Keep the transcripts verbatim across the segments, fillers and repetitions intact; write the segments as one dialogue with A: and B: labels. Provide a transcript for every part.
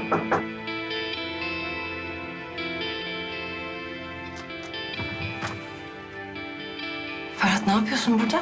A: Ferhat, ne yapıyorsun burada?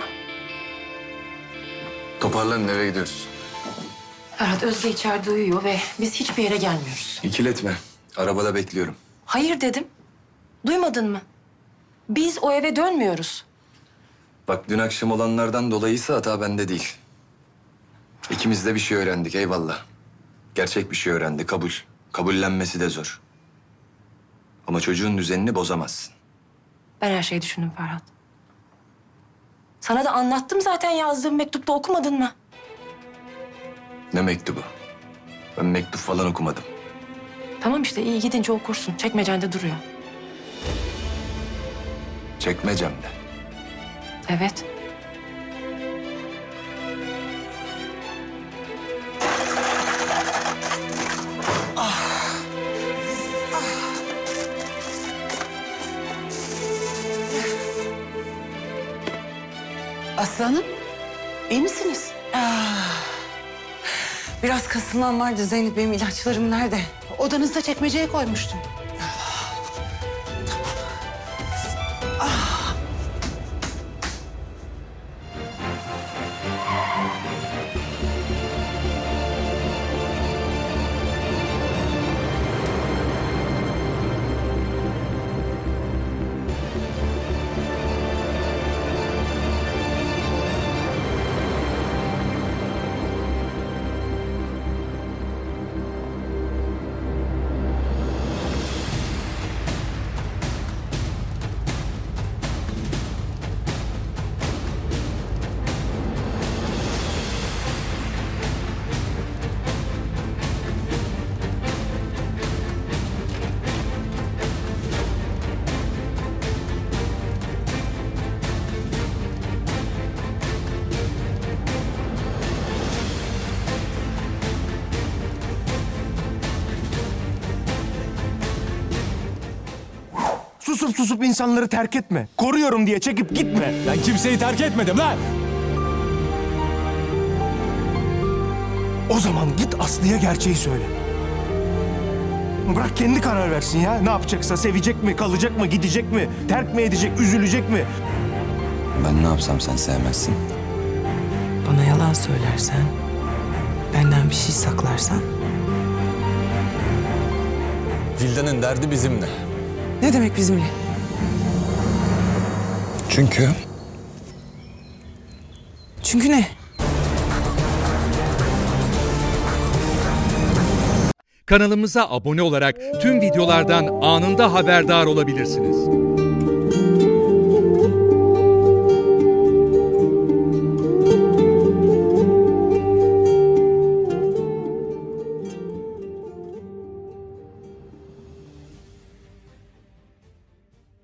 B: Toparlanın, eve gidiyoruz.
A: Ferhat, Özge içeride uyuyor ve biz hiçbir yere gelmiyoruz.
B: İkiletme. Arabada bekliyorum.
A: Hayır dedim. Duymadın mı? Biz o eve dönmüyoruz.
B: Bak, dün akşam olanlardan dolayıysa hata bende değil. İkimiz de bir şey öğrendik, eyvallah. Gerçek bir şey öğrendi, kabul. Kabullenmesi de zor. Ama çocuğun düzenini bozamazsın.
A: Ben her şeyi düşündüm Ferhat. Sana da anlattım zaten, yazdığım mektupta, okumadın mı?
B: Ne mektubu? Ben mektup falan okumadım.
A: Tamam işte, iyi, gidince okursun. Çekmecende duruyor.
B: Çekmecemde.
A: Evet.
C: Aslanım, iyi misiniz?
D: Ah, biraz kasılmam vardı Zeynep. Benim ilaçlarım nerede?
C: Odanızda çekmeceye koymuştum.
E: Susup susup insanları terk etme. Koruyorum diye çekip gitme.
F: Ben kimseyi terk etmedim lan.
E: O zaman git Aslı'ya gerçeği söyle. Bırak kendi karar versin ya. Ne yapacaksa, sevecek mi, kalacak mı, gidecek mi, terk mi edecek, üzülecek mi?
B: Ben ne yapsam sen sevmezsin.
D: Bana yalan söylersen, benden bir şey saklarsan.
F: Vildan'ın derdi bizimle.
D: Ne demek bizimle?
B: Çünkü...
D: Çünkü ne?
G: Kanalımıza abone olarak tüm videolardan anında haberdar olabilirsiniz.